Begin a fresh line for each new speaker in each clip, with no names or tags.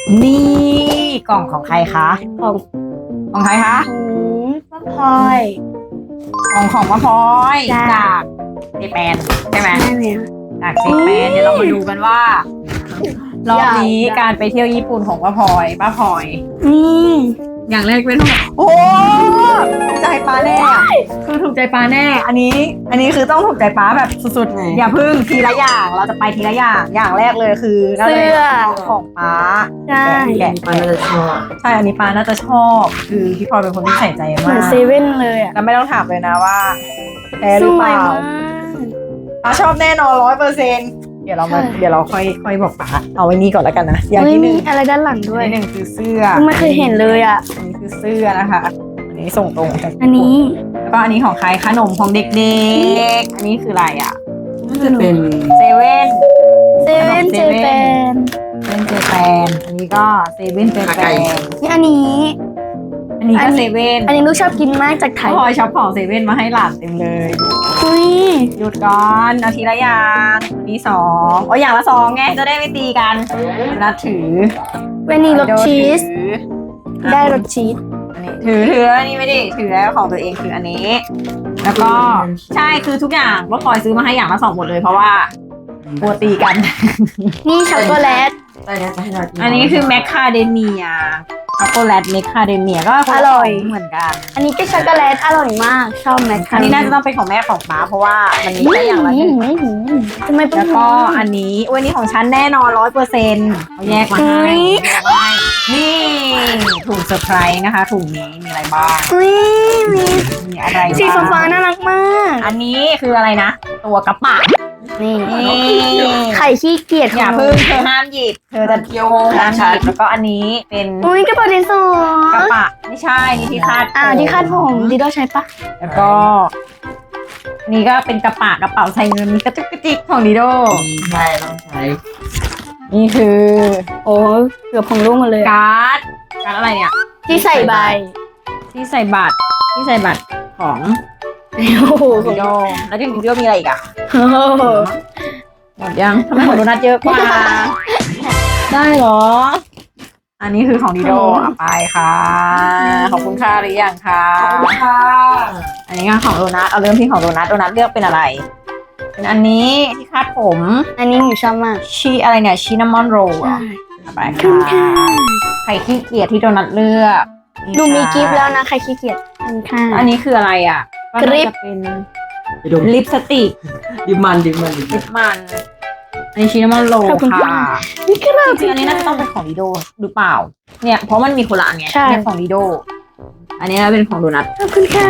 นี่กล่องของใครคะ
ของ
ของใครคะ
ป้าพลอย
กล่องของมะพร้อย
จ้ะ
จากเจแปนใช่ไหม
ใช่ไหม
จากเจแปนเดี๋ยวเรามาดูกันว่ารอบนี้
อยาก
การไปเที่ยวญี่ปุ่นของป้าพลอย
นี่
อย่างแรกเป็นโอ้ถูกใจป้าแน่คือถูกใจป้าแน่ อันนี้คือต้องถูกใจป้าแบบสุดๆอย่าพึ่งทีละอย่างเราจะไปทีละอย่างแรกเลยคือน่าจะ
เสื้
เป็น
อ
ของป้า
ใช่
แกะ
มันน่าจะชอบ
ใช่อันนี้ป้าน่าจะชอบ คือพี่พลอยเป็นคนที่ใส่ใจ
เหมื
มา
อน
ก
เซเว่นเลยอ่ะ
แล้วไม่ต้องถามเลยนะว่าแพ้
ส
หรือ
ว
เป
ย
ล่า
มาก
ป้าชอบแน่นอน100%เดี๋ยวเรามา
ใช่
เดี๋ยวเราค่อยบอกป้าเอาไว้นี่ก่อนแล้วกันนะอย่าง
เฮ้ย
ที่ห
มี
นึ่ง
อะไรด้านหลังด้วย
อันที่หนึ่งคือเสื้อ
ไม่เคยเห็นเลยอ่ะ
อันนี้คือเสื้อนะคะอันนี้ส่งตรงจาก
อันนี้
แล้วก็อันนี้ของใครขนมของเด็กๆอันนี้คืออะไรอ่ะ
น่าจะเป็น
เซเว่น
เซเว่นเจแปน
เป็นเจแปนอันนี้ก็เซเว่นเจแปน
นี่อันนี้
อันนี้ก็เซเว่น
อันนี้ลูกชอบกินมากจากไทย
พลอยช็อปของเซเว่นมาให้หลานเต็มเลย
อุ้ย
หยุดก่อนเอาทีละอย่างอันนี้2โอ้ยอย่างละ2ไงจะได้ไม่ตีกันแล้วถือ
เวนนี่รสชีส
ถือ
ได้รสชีส
อันนี้ถืออันนี้ไม่ได้ถือแล้วของตัวเองคืออันนี้ แล้วก็ใช่คือทุกอย่างว่าพลอยซื้อมาให้อย่างละ2หมดเลยเพราะว่ากลัวตีกัน
นี่ช็อกโกแลต
ได้นะจะให้เรากิน
อันนี้คือแมคคาเดเมียช็อกโกแลตแมคคาเดเมียก็คนละ
อร่อย
เหมือนกัน
อันนี้ก็ช็อกโกแลตอร่อยมาก ชอบแมคคา
อันนี้น่าจะต้องเป็นของแม่ของป้าเพราะว่ามันมีแค่อย่างละหนึ่ง
ทำไมเป็น
แล้วก็อันนี้วันนี้ของฉันแน่นอน100%เขาแยกมาให้แยกมาให้นี่ถุงเซอร์ไพรส์นะคะถุงนี้มีอะไรบ้าง
อุ้ยมี
มีอะไร
สี
บ้าง
ฟ้าๆน่ารักมาก
อันนี้คืออะไรนะ ตัวกระปะ
นี่
นี่
ไข่ขี้เกียจ
อย่าพึ่งเธอห้ามหยิบเธอจะ
เกี๊ยว
ห้ามห
ชั
ยิ
ด
บแล้วก็อันนี้เป็น
อุ้ยกระเป๋าดินสอก
ระปะไม่ใช่นี่ที่คาด
ที่คาดผมดิโดใช้ปะ
แล้วก็นี่ก็เป็นกระเป๋าใส่เงินมีกระจุกกระจิกของดิโด
ใช่ต้องใช้
นี่คือ
โอ้เกือบของลูกหมาเลย
การ์ดอะไรเนี่ย
ที่ใส่ใบ
ที่ใส่บัตรของ
โอ้โห
ดิโดแล้วที่ดิโดมีอะไรอีกอ่ะ
โอ้โห
หมดยังทำไมของโดนัทเยอะกว่า ได้เหรอ อันนี้คือของดิโดเอาไปค่ะขอบคุณค่ะหรือยังคะ
ขอบคุณค่ะ
อันนี้ก็ของโดนัทเอาเริ่มที่ของโดนัทเลือกเป็นอะไร เป็นอันนี้ที่คาดผม
อันนี้หนูชอบมาก
ชีอะไรเนี่ยชินามอนโรลอ่ะไป
ขอบคุณ
ค่ะ
ค่ะ
ไข่ขี้เกียจที่โดนัทเลือก
หนูมีกิฟต์แล้วนะใครขี้เกียจขอบคุณค่ะ
อันนี้คืออะไรอ่ะก็น่าจะเป็น
ไปดู
ลิปสติก
ดิบมัน
ลิปมัน อันนี้ชินามอนโรล
ขอบคุณ
ค่ะ
ค่ะนี่ก็เรา
จริงๆอันนี้น่าจะต้องเป็นของดิโดหรือเปล่า เนี่ยเพราะมันมีคนละอันไง
ใช่
เนี่ยของดิโด อันนี้น่าเป็นของโดนัท
ขอบคุณค่ะ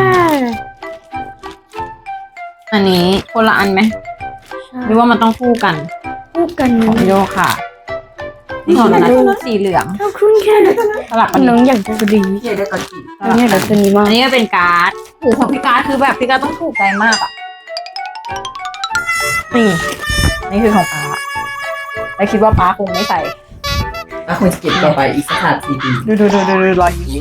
อันนี้คนละอันไหมหรือว่ามันต้องคู่กัน
คู่กัน
ของดิโดค่ะนี่ของโดนัทสีเหลือง
ขอบคุณค่ะ
สลับกัน
น้องอยากจะดี
เกี๊ยวได้ก่อนกิน
น้องอยากจะดีมาก
อันนี้ก็เป็นการ์ดโอ้โหของพี่การ์ดคือแบบพี่การ์ดต้องถูกใจมากอ่ะ นี่คือของป้าแล้วคิดว่าป้าคงไม่ใส่
แล้วคงจะเก็บต่อไปอีกสัก4 ปี
ดูรอยยิ้ม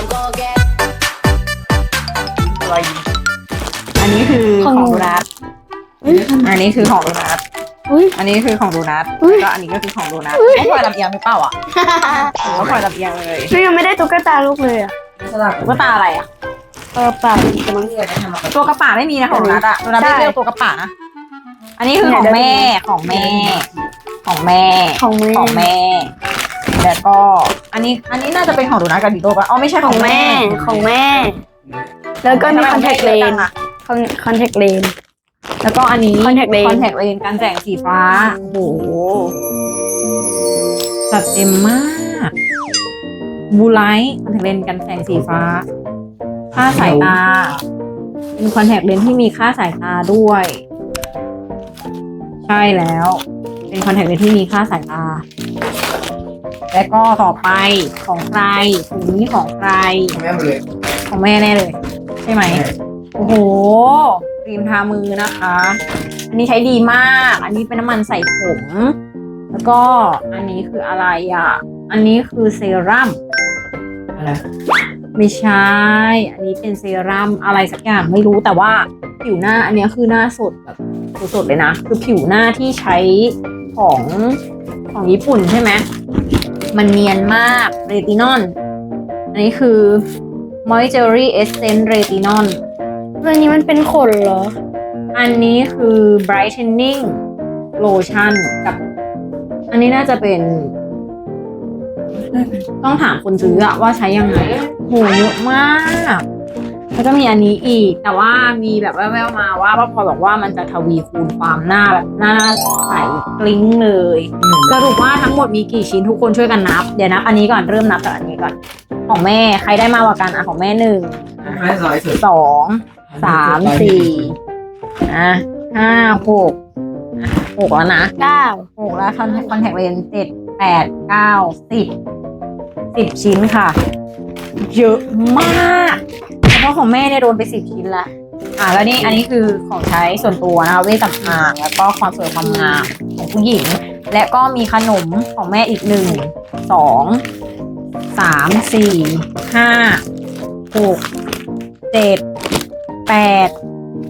รอยยิ้มอันนี้คือของโดนัทอันนี้คือของโดนัท
อุ้ย
อันนี้คือของโดนัท
อุ๊ย
แล้วก็อันนี้ก็คือของโดนัทต้องปล่อยลำเอียงหรือเปล่าอ่ะหรือว่าปล่อยลำเอียงเลย
หนูยังไม่ได้ตุ๊กตาลูกเลยอ่ะ
สลับ
ตุ๊กตาอะไรอ่ะ
เปล่า
จะต้องเลือกทำมา
ตัวกระป๋าไม่มีนะของโดนัทอ่ะโดนัทไม่
ใช่
เลือกตัวกระป๋านะอันนี้คือของแม่ของแม่
ของมือ
ของแม่ แล้วก็อันนี้น่าจะเป็นของโดนัทกับดิโดป่ะอ๋อไม่ใช่
ข
ข
อ
อง ง
แม่
แม่
ของแม่ แล้วก็มีคอนแทคเลนคอนแทคเลน
แล้วก็อันนี้
Contact lens
คอนแทคเลนกันแสงสีฟ้า โอ้โหจัดเต็มมากบูไลท์คอนแทคเลนกันแสงสีฟ้า ค่าสายตา เป็นคอนแทคเลนที่มีค่าสายตาด้วย ใช่แล้ว เป็นคอนแทคเลนที่มีค่าสายตา และก็ต่อไปของใครถุงนี้ของใคร
แม่หมดเลย
ของแม่แน่เลย ใช่ไหม โอ้โหครีมทามือนะคะ อันนี้ใช้ดีมาก อันนี้เป็นน้ำมันใส่ผม แล้วก็อันนี้คืออะไรอ่ะ อันนี้คือเซรั่ม
อะไร
ไม่ใช่ อันนี้เป็นเซรั่มอะไรสักอย่างไม่รู้แต่ว่าผิวหน้าอันนี้คือหน้าสดแบบสดๆเลยนะ คือผิวหน้าที่ใช้ของญี่ปุ่นใช่ไหมมันเนียนมากเรตินอลอันนี้คือ Moisture Essence Retinol
ตัวนี้มันเป็นขนเหรอ
อันนี้คือ brightening lotion กับ อันนี้น่าจะเป็น ต้องถามคนซื้ออะว่าใช้ยังไงโหเยอะมากแล้วก็มีอันนี้อีก แต่ว่ามีแบบแว่วๆมาว่าป้าพลอยบอกว่ามันจะทวีคูณความหน้าแบบหน้าใสกลิ้งเลย สรุปว่าทั้งหมดมีกี่ชิ้นทุกคนช่วยกันนับ เดี๋ยวนับอันนี้ก่อนเริ่มนับจากอันนี้ก่อน ของแม่ใครได้มากกว่ากันอ่ะของแม่1
ไม่ร้อยสุด
2 3 4อ่ะ5 6อ่ะ6แล้วนะ
9
6แล้วคอนแทคเลนส์7 8 9 10ชิ้นค่ะ เยอะมากเพราะของแม่เนี่ยโดนไป10 ชิ้นละแล้วนี่อันนี้คือของใช้ส่วนตัวนะคะเวชสำอางแล้วก็ความสวยความงามของผู้หญิง และก็มีขนมของแม่อีก1 2 3 4 5 6 7 8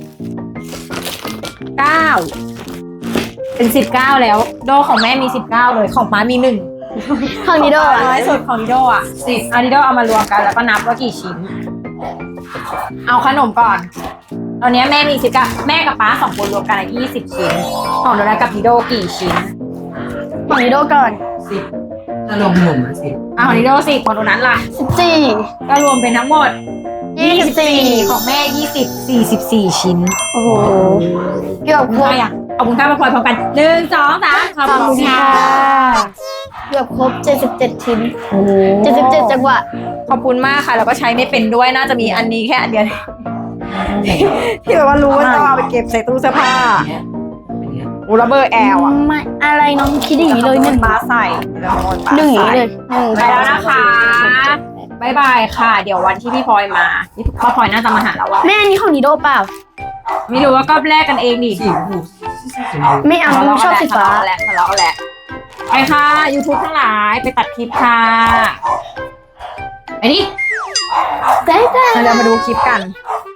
9 เป็น19แล้วโดของแม่มี19เลยของป้ามี1
ของนิโด
น้อยสุดของนิโดอ่ะ10นิโดเอามารวมกันแล้วก็นับว่ากี่ชิ้น เอาขนมก่อน ตอนนี้แม่มี19แม่กับป้า2 คนรวมกัน20 ชิ้น ของโดนัทกับนิโดกี่ชิ้น
ของนิโดก่อน
10ถ้ารวมขนมนะ10
ของนิโด10ของโดนัทล่ะ
14
ก็รวมเป็นทั้งหมด24ของแม่44 ชิ้น
โอ้โหเกือบครบ
ขอบคุณค่ะมาพลอยพร้อมกัน1 2 3ขอบคุณค่ะ
เกือบครบ77 ชิ้น
โอ้
77 จังหวะ
ขอบคุณมากค่ะ แล้วก็ใช้ไม่เป็นด้วยน่าจะมีอันนี้แค่อันเดียว ที่แบบว่ารู้ว่าต้องเอาไปเก็บใส่ตู้เสื้อผ้า
เนี้ยเป็นเนี้ย
อูระเบอร์แอลอ่ะ
ไม่อะไรน้องคิดอย่างนี้เลยหนึ่ง
ป้าใส่แล้วขโมยป้า
หนึ่งอย่าง
ใส่
นี้เลยหนึ่ง
ไปแล้วนะคะบายบายค่ะ เดี๋ยววันที่พี่พลอยมาพี่พลอยน่าจะมาหาเราอะ
แม่อันนี้ของนิโดเปล่า
ไม่รู้ว่าก็แลกกันเองดิ
สีชมพู
ไม่เอาน้องชอบสีฟ้า
ทะเลาะแหละไปค่ะ YouTube ทั้งหลายไปตัดคลิปค่ะไปดิ
ได้
เรามาดูคลิปกัน